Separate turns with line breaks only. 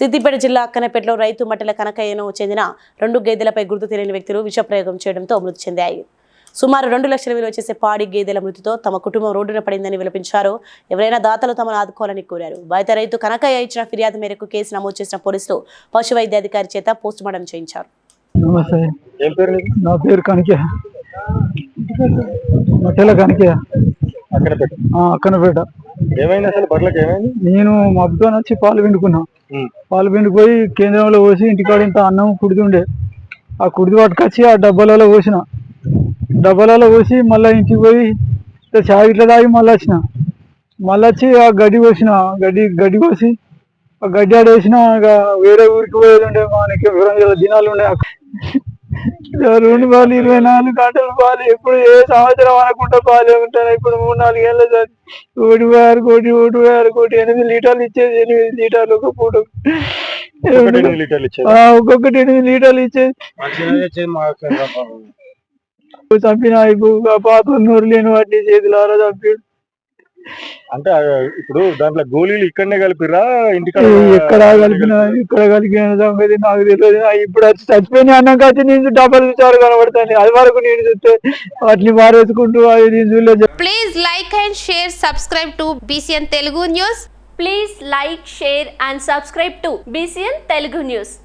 సిద్దిపేట జిల్లా అక్కనపేటలో రైతు మట్టెల కనకయ్యను చెందిన 2 గేదెలపై గుర్తు తెలియని వ్యక్తులు విషప్రయోగం చేయడంతో మృతి చెందాయి. సుమారు 2 లక్షల విలువ చేసే పాడి గేదెల మృతితో తమ కుటుంబం రోడ్డున పడిందని విలపించారు. ఎవరైనా దాతలు తమను ఆదుకోవాలని కోరారు. బాధిత రైతు కనకయ్య ఇచ్చిన ఫిర్యాదు మేరకు కేసు నమోదు చేసిన పోలీసులు పశు వైద్యాధికారి చేత పోస్టుమార్టం చేయించారు.
నమస్తే, నా పేరు కనకయ్య, మట్టెల కనకయ్య, అక్కనపేట. నేను మబ్బుతో వచ్చి పాలు పిండుకున్నా. పాలు పిండిపోయి కేంద్రంలో పోసి ఇంటికాడ ఇంత అన్నం కుడిది ఉండే, ఆ కుడిది పట్టుకొచ్చి ఆ డబ్బాలలో పోసి మళ్ళీ ఇంటికి పోయి చాయ్ ఇట్లా తాగి మళ్ళీ వచ్చి ఆ గడ్డి పోసిన, గడ్డి కోసి ఆ గడ్డి ఆడేసిన. వేరే ఊరికి పోయేది ఉండే, మనకి దినాలు ఉండే. 2 పాలు 24 గంటలు పాలు, ఎప్పుడు ఏ సంవత్సరం అనకుండా పాలే ఉంటాను. ఇప్పుడు 3-4 ఏళ్ళ సార్ 1.6 కోటి 8 లీటర్లు ఇచ్చేది. 8 లీటర్లు ఒక పూట, ఒక్కొక్కటి 8 లీటర్లు ఇచ్చేది. చంపిన పాత నూరు లేని వాటిని చేతులారా చంపాడు.
అంటే ఇప్పుడు దాంట్లో గోళీలు ఇక్కడనే కలిపిరా, ఇంటికాడ
ఇక్కడ కలిపిన సంగతి నాకు తెలియదు. ఇప్పుడు వచ్చి చచ్చిపోయిన అన్నం కాచి నేను డబ్బులు విచారు కనబడతాను. అది వరకు నేను చూస్తే వాటిని మారేసుకుంటూ
please like and share, subscribe to BCN Telugu News.
Please like, share and subscribe to BCN Telugu News.